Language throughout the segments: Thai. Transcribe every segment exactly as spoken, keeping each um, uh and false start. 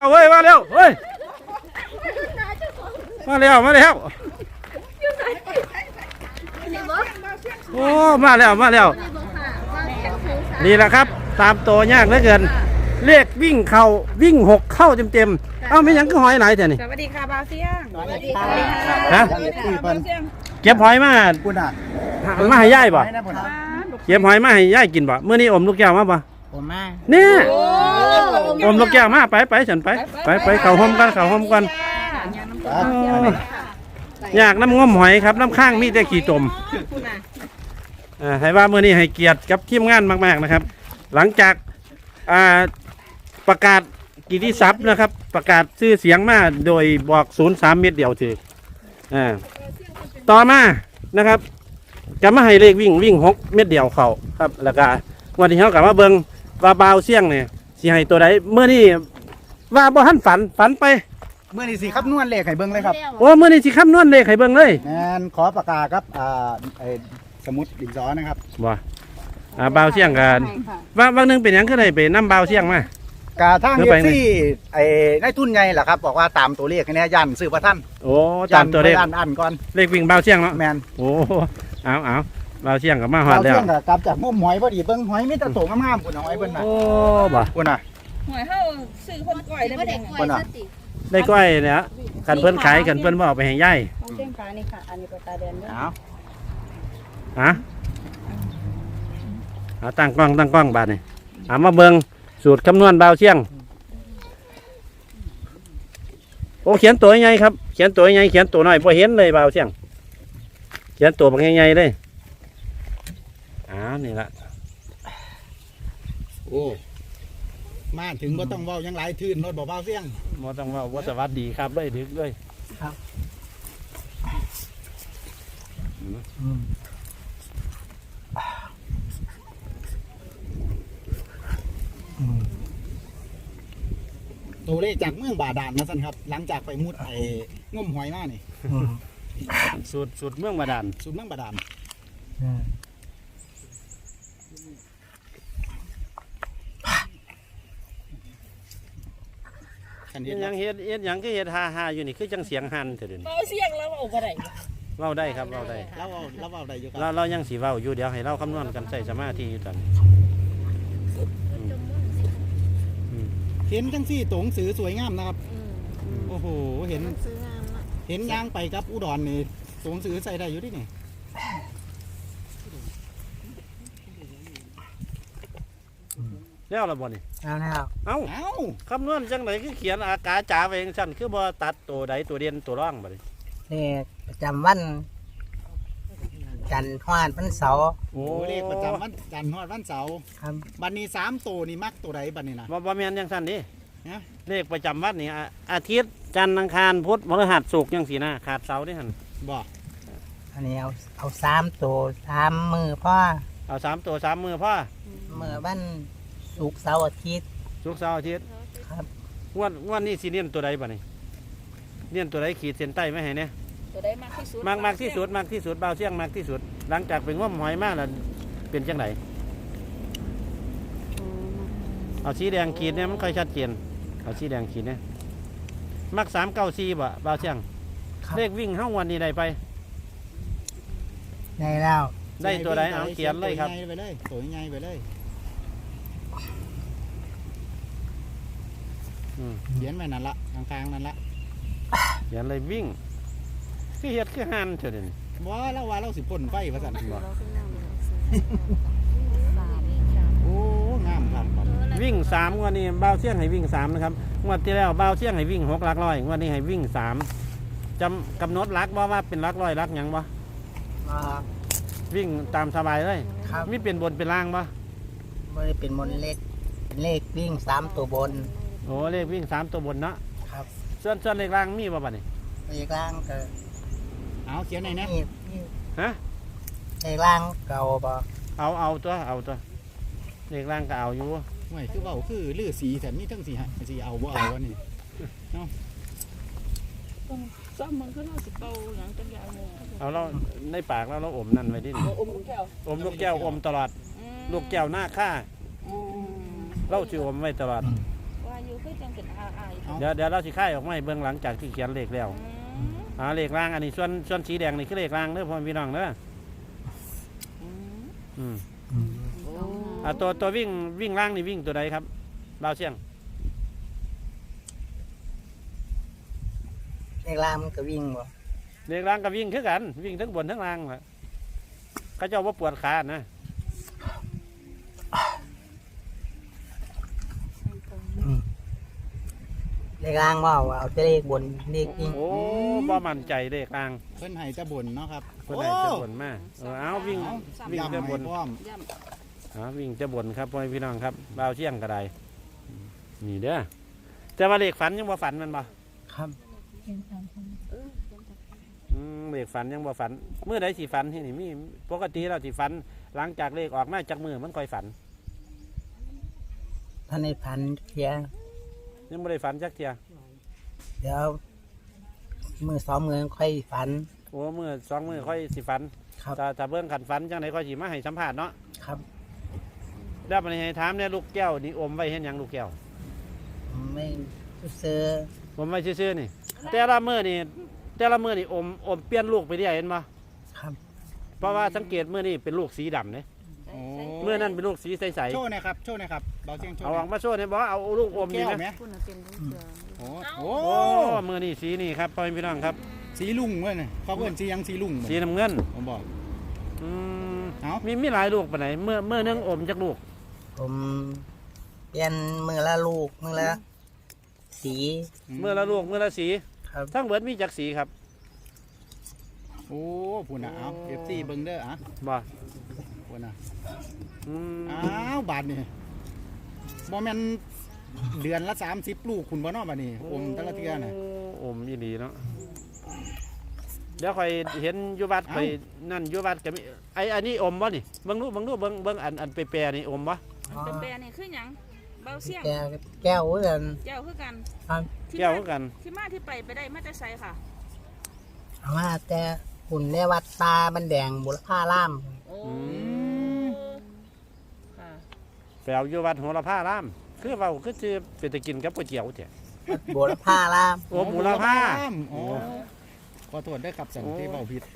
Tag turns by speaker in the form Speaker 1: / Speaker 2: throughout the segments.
Speaker 1: เอาเว้ยมาเร็วเฮ้ยมาเร็วมาเร็วโอ้มาแล้วมาแล้วนี่แหละครับตามตัวยากเหลือเกินเลขวิ่งเข่าวิ่งหกเข้าเต็มเต็มเอ้าไม่ยังก็หอยไหนแต่นี่
Speaker 2: สวัสดีค่ะบาวเซียงสวัสดีค่ะ
Speaker 1: ฮะเก็บหอยมามาให้ย่ายบ่เก็บหอยมาให้ย่ายกินบ่เมื่อนี้อมลูกแก้วมาบ่
Speaker 2: ผมมา
Speaker 1: เนี่ยอมลูกแก้วมาไปไปฉันไปไปไปเข่าห้มกันเข่าห้มกันอยากน้ำง้มหอยครับน้ำข้างมีแต่ขี้ตมให้ว่าเมื่อนี้ให้เกียรติกับทีมงานมากๆนะครับหลังจากประกาศกิตติศัพท์นะครับประกาศชื่อเสียงมาโดยบอกศูนย์สามเม็ดเดียวถือต่อมานะครับจะมาให้เลขวิ่งวิ่งหกเม็ดเดียวเขาครับแล้วก็วันที่เขากลับมาเบิ้งว่าบาวเสี่ยงเนี่ยสิให้ตัวใดเมื่อนี้ว่าบ่ทันฝันฝันไป
Speaker 3: เมื่อนี้สิครับนวลเลขไข่เบิ้งเลยครับ
Speaker 1: โอ้เมื่อนี้สิครับนวลเลขไข่เบิ้งเลย
Speaker 3: งานขอประกาศครับอ่าไอ้สมุดดินสอนะครับ
Speaker 1: ว่าอ่าบาวเสี่ยงกันว่าบางนึงเป็นยังก็ได้ไปน้ำบาวเสี่ยงม
Speaker 3: ากาทางเอฟซีไอ้นายทุนใหญ่แหละครับบอกว่าตามตัวเลขนี้ยันซื้อพระท่าน
Speaker 1: โอ้ตามตัวเลข
Speaker 3: อันอันก่อน
Speaker 1: เลขวิ่งบาวเสี่ยงเนาะ
Speaker 3: แมน
Speaker 1: โอ้เอาเอาบาวเสี่ยงกับมาหอดแล้ว
Speaker 3: บาวเสี่ยงกับกลับจากมุมหอยพอดีเบิ้งหอยมีแต่โตงามๆคุณหอยเบิ้งนะ
Speaker 1: โอ้บ่
Speaker 3: คุณน่ะ
Speaker 2: หอยเฮาซื้อคนก่อยได้บ่ได้
Speaker 3: คุณน่ะ
Speaker 1: ได้ก้อยเนี่ยกันเพิ่นขายกันเพิ่นบ่เอาไปให้ย่าย
Speaker 2: เส้นฟ้านี่ค่ะอันนี้ปลาตาแดงเด้อ
Speaker 1: เอาฮะเอาตั้งกล้องตั้งกล้องบาดนี่เอามาเบิ่งสูตรคำนวณบาวเสี่ยงโอ้เขียนตัวใหญ่ครับเขียนตัวใหญ่เขียนตัวน้อยพอเห็นเลยบาวเสี่ยงเขียนตัวบางใหญ่ๆเลยอ้าวนี่ละ
Speaker 3: โอ้มาถึงบ่ต้องเว้ายังหลายทื่นรถบ่บาวเสี่ยง
Speaker 1: บ่ต้องเว้าบ่สวัสดีครับเลยดึกเลย
Speaker 3: ครับตัวเลขจากเมืองบาดาลนะสันครับหลังจากไปมุดไอ้ง่มหอยมานี่
Speaker 1: สูตรสูตรเมืองบาดาล
Speaker 3: สูตรเมืองบาดาล
Speaker 1: ยังเฮ็ดเฮ็ดยังก็เฮ็ดฮาฮาอยู่นี่คือจังเสียงหันเถิดนี่
Speaker 2: เว้าเสียงแล้วเอาบ่ได้
Speaker 1: เว้าได้ครับเว้าได้
Speaker 3: เราเว้าเราเว้าได้อยู่ครับ
Speaker 1: เราเรายังสิเว้าอยู่เดี๋ยวให้เราคำนวณกันใส่สมาธิอยู่กัน
Speaker 3: เห็นจังซี่ตัวหนังสือสวยงามนะครับโอ้โหเห็นเห็นย่างไปกับอุดรนี่ตัวหนังสือใส่ได้อยู่ดินี่
Speaker 1: แล้วละบ่นี่
Speaker 3: เอาแล้ว
Speaker 1: เอ้าเอ้าคำนวณจังไหนคือเขียนอากาจ๋าไปเองสั่นคือบ่ตัดตัวใดตัวเด่นตัวร่องบ่นี่
Speaker 4: เลขประจำวันจันทร์ฮอดวันเสาร์
Speaker 3: โอ้เลขประจำวันจันทร์ฮอดวันเสาร์
Speaker 4: ครับ
Speaker 3: บัดนี้สามตัวนี่มักตัวใดบัดนี้นะ
Speaker 1: บ่บ่แม่นจังซั่นดิเลขประจำวันนี่อาทิตย์จันทร์อังคารพุธพฤหัสศุกร์จังซี่นะขาดเสาร์ดิหั่น
Speaker 3: บ่
Speaker 4: อันนี้เอาเอาสามตัวสามมือพ่อ
Speaker 1: เอาสามตัวสามมือพ่อ
Speaker 4: มือวันศุกร์เสาร์อาทิตย์
Speaker 1: ศุกร์เสาร์อาทิตย์
Speaker 4: ครับ
Speaker 1: งวดงวดนี้สิเน้นตัวใดบัดนี้เน้นตัวใดขีดเส้นใต้ไว้ให้เนี่ย
Speaker 2: ตัวใดมากที่สุด
Speaker 1: มากมากที่สุดมากที่สุดบาวเสี่ยงมากที่สุดหลังจากเป็นง่วมหอยมากแล้วเป็นจังไหนเอาสีแดงขีดเนี่ยมันค่อยชัดเจนเอาสีแดงขีดเนี่ยมักสามเก้าสี่บ่บาวเสี่ยงเลขวิ่งห้าวันนี้ได้ไป
Speaker 4: ได้แล้ว
Speaker 1: ได้ตัวใดเอาเขียนเลยครับ
Speaker 3: ไปเลยตัวใหญ่ไปเลยเขียนไว้นั่นละกลางๆนั่นละ
Speaker 1: เขียนเลยวิ่งคือเฮ็ดคือหันเถิดนี่
Speaker 3: บ่แล้วว่าเราสิพ่นไฟว่าซั่นบ่โอ้งามครับ
Speaker 1: วิ่งสามงวดนี้บาวเสี่ยงให้วิ่งสามนะครับงวดที่แล้วบาวเสี่ยงให้วิ่งหกหลักร้อยงวดนี้ให้วิ่งสามจำกำหนดหลักบ่ว่าเป็นหลักร้อยหลักหยังบ่วิ่งตามสบายเลยมีเป็นบนเป็นล่างบ่
Speaker 4: ไม่ได้เป็นบนเลขเป็นเลขวิ่งสามตัวบน
Speaker 1: โอ้เลขวิ่งสามตัวบนเนาะ
Speaker 4: ครับ
Speaker 1: ส่วนส่วนเลขล่างมีบ่บัดนี้
Speaker 4: เลขล่างก็
Speaker 3: เอาเขียนไหนนะ
Speaker 1: ฮะ
Speaker 4: เลขล่างเก่าบ่
Speaker 1: เอาเอาตัวเอาตัวเลขล่างก็เอาอยู่
Speaker 3: ไม่คือเบาคือลือสีแต่นี่ทั้งสีสีเอาบ่เอาวะนี่เนาะ
Speaker 2: ซ้อมมันก็น่าสิเป่าหลังจังยาว
Speaker 1: เอาเราในปากแล้วเราอมนั่นไว้ดิ
Speaker 2: อมลูกแก้ว
Speaker 1: อมลูกแก้วอมตลอดลูกแก้วหน้าค่าเราชื่ออมไว้ตลอด
Speaker 2: ว่าอยู่คือจังเป็นอาอาย
Speaker 3: เอา
Speaker 1: เดี๋ยวเดี๋ยวเราสิค่ายออกมาให้เบิ่งหลังจากที่เขียนเลขแล้ว
Speaker 2: อืม
Speaker 1: อ่าเลขล่างอันนี้ส่วนส่วนสีแดงนี่คือเลขล่างเด้อพ่อพี่น้องเด้อ
Speaker 2: อืม
Speaker 1: อืม
Speaker 2: โอ้
Speaker 1: อ่าตัวตัววิ่งวิ่งล่างนี่วิ่งตัวใดครับบ่าวเสียง
Speaker 4: ในล่างมันก็วิ่งบ่
Speaker 1: เลขล่างก็วิ่งคือกัน วิ่งทั้งบนทั้งล่างล่ะเขาเจ้าว่าปวดขานะ
Speaker 4: ในล่างว่าว่าเอาแต่เลขบนเลขวิ่ง
Speaker 1: โอ้บ่มั่นใจเลขล่าง
Speaker 3: เพิ่นให้จะบนเนาะครับ
Speaker 1: เพิ่นได้จะบนมาเออเอาวิ่ง วิ่ง
Speaker 3: ย้ำ
Speaker 1: จะ
Speaker 3: ให้
Speaker 1: บน
Speaker 3: พร้อม
Speaker 2: ย่
Speaker 1: อ่าวิ่งจะบนครับพ่อพี่น้องครับบ่าวเสียงก็ได้นี่เด้อแต่ว่าเลขฝันยังบ่ฝันแมันบ่
Speaker 4: ครับ
Speaker 2: ำเออ
Speaker 1: อืมเลขฝันยังบ่ฝันเมื่อใดสิฝันที่นี่มีปกติเราสิฝัน หลังจากเลขออกมาจากมือมันค่อยฝัน
Speaker 4: ท่านในพันเทีย
Speaker 1: ยังบ่ได้ฝันจักเที่ย
Speaker 4: เดี๋ยวมือสองมือค่อยฝัน
Speaker 1: โอ้มือสองมือค่อยสิฝัน
Speaker 4: ครับ
Speaker 1: ถ้าถ้าเบิ่งขันฝันจังไดค่อยสิมาให้สัมภาษณ์เนาะ
Speaker 4: ครับ
Speaker 1: แล้วมันให้ถามเนี่ยลูกแก้วนี่อมไว้เห็นหยังลูกแก้ว
Speaker 4: ไม่ซื้อ
Speaker 1: อมไว้ซื่อๆนี่ แต่ละมื้อนี่แต่ละมื้อนี่อมอมเปลี่ยนลูกไปเรื่อยเห็นบ่
Speaker 4: ครับ
Speaker 1: เพราะว่าสังเกตมื้อนี้เป็นลูกสีดำเด้
Speaker 3: โอ้
Speaker 1: มื้อนั้นเป็นลูกสีใส
Speaker 3: โชว์หนะครับโชว์หนะครับเบาเสียงโช
Speaker 1: ๆ
Speaker 3: ว์
Speaker 1: เอา
Speaker 3: ห
Speaker 1: อ
Speaker 3: น่
Speaker 1: อ
Speaker 3: อก ย
Speaker 1: มาโชว์เนี่ยบ่เอาลูกอมนี่
Speaker 3: แก้ว
Speaker 1: นะ
Speaker 3: ไหม
Speaker 2: คุณน่ะเป็นลูกเสือ
Speaker 3: โอ้โห
Speaker 1: โอ้มื้อนี้สีนี่ครับพ่อพี่น้องครับ
Speaker 3: สีลุงเว้ยน่ะเขาเพิ่นสีหยังสีลุง
Speaker 1: สีน้ำเงิน
Speaker 3: ผมบอก
Speaker 1: อืม
Speaker 3: เอ้า
Speaker 1: มีมีหลายลูกปานไหนเมื่อเมื่อนึงอมจักลูก
Speaker 4: ผมเปลี่ยนมือละลูกมือละสี
Speaker 1: เมื่อละลูกเมื่อละสี
Speaker 4: ครับ
Speaker 1: ทั้งเบิดมีจักสีครับ
Speaker 3: โอ้พุ่นน่ะเอา เอฟ ซี เบิ่งเด้ออ่ะ
Speaker 1: บ่
Speaker 3: พุ่นน่ะ
Speaker 1: อืม
Speaker 3: อ้าวบาทนี่บ่แม่นเดือนละสามสิบลูกคุณบ่เนาะบัดนี้อมแต่ละเทื่อน่ะ
Speaker 1: โอมอีหลีเนาะเดี๋ยวค่อยเห็นอยู่วัด
Speaker 3: เอ้า
Speaker 1: ค่อยนั่นอยู่วัดก็มีไอ้อันนี้อมบ่นี่เบิ่งดูเบิ่งดูเบิ่งเบิ่งอันอันเปรย์ๆนี่อมบ่
Speaker 2: เป็นแปรนี่คือหยังเบาเสียง
Speaker 4: แก้วแก้วเงิน
Speaker 2: เจ้าคือกัน
Speaker 4: ครับ
Speaker 2: ที่
Speaker 1: แก้ว
Speaker 2: มา
Speaker 1: คือกัน
Speaker 2: ที่มาที่ไปไปได้มาแต่ไสค่ะ
Speaker 4: เอามาแต่หุ่นในวัดตาบันแดงบุรพาล่าม
Speaker 2: โอ้
Speaker 1: อืม
Speaker 2: ค่ะ
Speaker 1: ไปเอาอยู่วัดโหระพารามคือเว้าคือสิเป็นตะกินกับก๋วยเตี๋ยวแท้
Speaker 4: วัดบุรพาล่าม
Speaker 1: โอ้หมูระพา
Speaker 3: โอ้ขอโทษด้วยครับสัน
Speaker 1: โอ้
Speaker 3: ที่เว้าผิด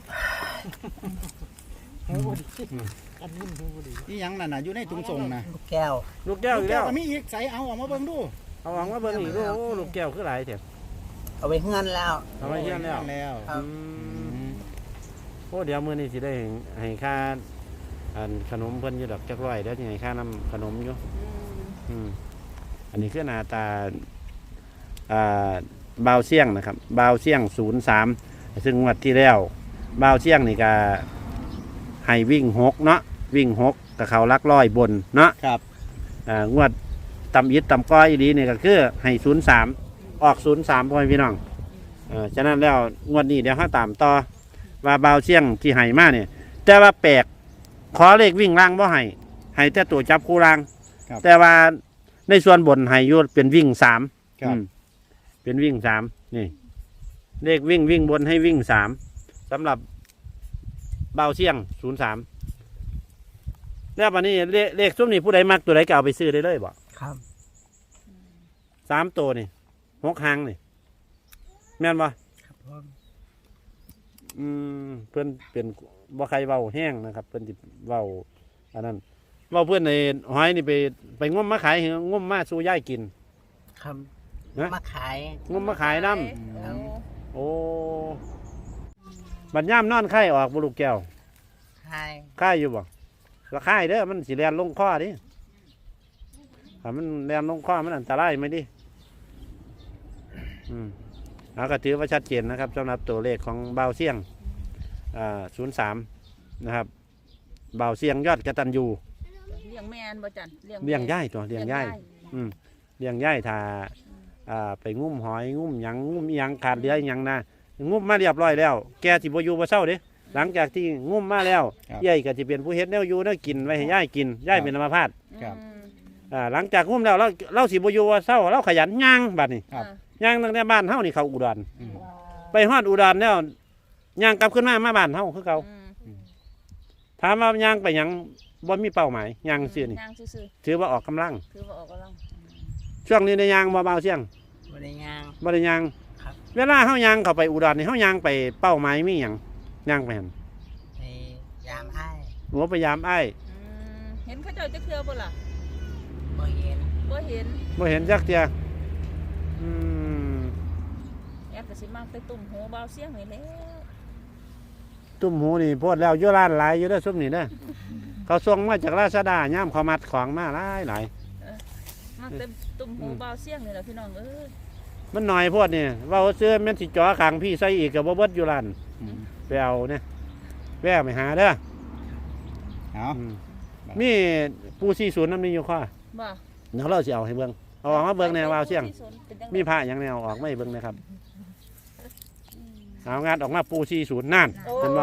Speaker 3: นี่ยังนั่นน่ะอยู่ในตุงส่งน่ะ
Speaker 4: ลูกแก้ว
Speaker 1: ลูกแก้วอีกแล้ว
Speaker 3: ก็มีอีกใส่เอาออกมาเบิ่งดู
Speaker 1: เอาหวังว่าเบิ่งอีกดูโอ้ลูกแก้วคือหลายแท้
Speaker 4: เอาไปเฮือนแล้ว
Speaker 1: เอาไว้เฮียนแล้ว
Speaker 3: แล้ว
Speaker 4: ครับ
Speaker 1: อืมโอ้เดี๋ยวมื้อนี้สิได้ให้ค่าอันขนมเพิ่นอยู่ดอกจักร้อยเดี๋ยวสิให้ค่าน้ำขนมอยู่
Speaker 2: อืม
Speaker 1: อืมอันนี้คือหน้าตาอ่าบาวเสี่ยงนะครับบาวเสี่ยงศูนย์สามซึ่งงวดที่แล้วบาวเสี่ยงนี่ก็ให้วิ่งหกเนาะวิ่งหกกับเขาลักร้อยบนเนาะ
Speaker 3: ครับ
Speaker 1: อ่างวดตำอิดตำก้อยอีดีนี่ก็คือให้ศูนย์สามออกศูนย์สามพ่อพี่น้องเออฉะนั้นแล้วงวดนี้เดี๋ยวห้าตามต่อว่าบาวเสี่ยงที่ให้มาเนี่ยแต่ว่าแปลกขอเลขวิ่งล่างบ่ให้ให้แต่ตัวจับคู่ล่าง แต่ว่าในส่วนบนให้อยุเป็นวิ่งสาม
Speaker 3: ครับ
Speaker 1: อืมเป็นวิ่งสามนี่เลขวิ่งวิ่งบนให้วิ่งสามสำหรับเบาเสี่ยงศูนย์สามแล้ววันนี้เลขเลขซุ้มนี่ผู้ใดมักตัวใดก็เอาไปซื้อได้เลยบ่
Speaker 4: ครับ
Speaker 1: สามตัวนี่หกหางนี่แม่นบ่
Speaker 4: ครับผม
Speaker 1: อืมเพื่อนเป็นบ่ใครเบาแห้งนะครับ เพื่อนที่เบาอันนั้นเบาเพื่อนในหอยนี่ไปไปงมมาขายเหรองมมาสู่ย่ายกิน
Speaker 4: ครับ
Speaker 1: นะ
Speaker 4: มาขาย
Speaker 1: งมมาขายน้
Speaker 2: โอ้
Speaker 1: ำโอ้บัดย่ามนอนไข่ออกบุลูกแก้ว
Speaker 4: ขาย
Speaker 1: ไข่อยู่บ่ละไข่เด้อมันสิแลนลงข้อดิถ้ามันแลนลงข้อมันอันตรายไหมดิอืมเอาก็ถือว่าชัดเจนนะครับสำหรับตัวเลขของเบาเสี่ยงอ่าศูนย์สามนะครับเบาเสี่ยงยอดกตัญญู
Speaker 2: เลี้ยงแม่นบ่จัน
Speaker 1: เลี้ยงย่ายตัวเลี้ยงย่ายอืมเลี้ยงย่ายถ้าอ่าไปงุ้มหอยงุ้มหยังงุ้มอิหยังขาดเหลืออิหยังนะงุ้มมาเรียบร้อยแล้วแกสิบ่อยู่บ่เศร้าเด้หลังจากที่งุ้มมาแล้ว
Speaker 3: ครับ
Speaker 1: ย่ายก็สิเป็นผู้เฮ็ดแนวอยู่แนวกินไว้ให้ย่ายกินย่ายเป็นอัมพาต
Speaker 3: ครับ
Speaker 2: อืม
Speaker 1: อ่าหลังจากงุ้มแล้วเราเราสิบ่อยู่บ่เศร้าเราขยันย่างบัดนี้
Speaker 3: ครับ
Speaker 1: ย่างตั้งแต่บ้านเฮานี่เขาอุดร
Speaker 3: อืม
Speaker 1: ไปฮอดอุดรแล้วย่างกลับขึ้นมามาบ้านเฮาคือเก่า
Speaker 2: อืม
Speaker 1: ถามว่าย่างไปหยังบ่มีเป้าหมายย่างซื่อนี่
Speaker 2: ย่างซื่อ
Speaker 1: ถือว่าออกกำลัง
Speaker 2: ๆคือว่าออกกำลัง
Speaker 1: ถช่วงนี้ในยางบ่เบาเสียง
Speaker 4: บริยาง
Speaker 1: บ่ได้ยาง
Speaker 4: ครับ
Speaker 1: เวลาเฮายางเข้าไปอุดรนี่เฮายางไปเป้าหมายมีหยังยางไปหั่น
Speaker 4: ในยามไอ้าย
Speaker 1: หัวพยายามอ้าย
Speaker 2: อืมเห็นเขาเจ้าจะเคลือบ่ล่ะ
Speaker 4: บ่เห็น
Speaker 2: บ่เห็น
Speaker 1: บ่เห็นจักเที่ยอืม
Speaker 2: แอบก็สิมาไปตุ่มหูเบาเสียงนี่แหล้ว
Speaker 1: ตุ้มหูนี่โพดแล้วอยู่ร้านหลายอยู่เด้อซุมนี่เด้อเขาส่งมาจากราชดาย่ามเขามัดของมาหลายหลาย
Speaker 2: มาเต็มตุ่มหูเบาเสียงนี่แหละพี่น้องเอ้ย
Speaker 1: มันหน่อยโพดนี่เว้าซื้อแม่นสิจ่อข้างพี่ใส่อีกก็บ่เบิดอยู่ร้านไปเอาเนี่ยแวะไปหาเด้อ
Speaker 3: เอา
Speaker 1: อืมมีปูสี่ศูนย์นำมีอยู่ข้อ
Speaker 2: บ่
Speaker 1: เดี๋ยวเราสิเอาให้เบิ่งเอาออกมาเบิ่งแนววาวเสียง
Speaker 2: เป็นจังได๋
Speaker 1: มีผ้าอย่างแนวออกไม่เบิ่งนะครับเอางานออกมาปูสี่ศูนย์นั่น
Speaker 2: โอ้
Speaker 1: เห็นบ่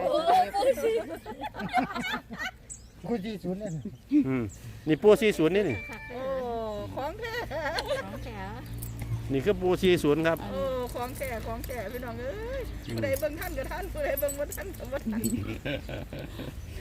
Speaker 3: กูจีศูนย์เลย
Speaker 1: อืมนี่ปูสี่ศูนย์นี่นี่
Speaker 2: โอ้ของแท้
Speaker 1: นี่คือปูสี่ศูนย์ครับ
Speaker 2: โอ้ของแท้ของแท้พี่น้องเอ้ยผู้ใดเบิ่งท่านก็ท่านผู้ใดเบิ่งบ่ท่านก็บ่ท่าน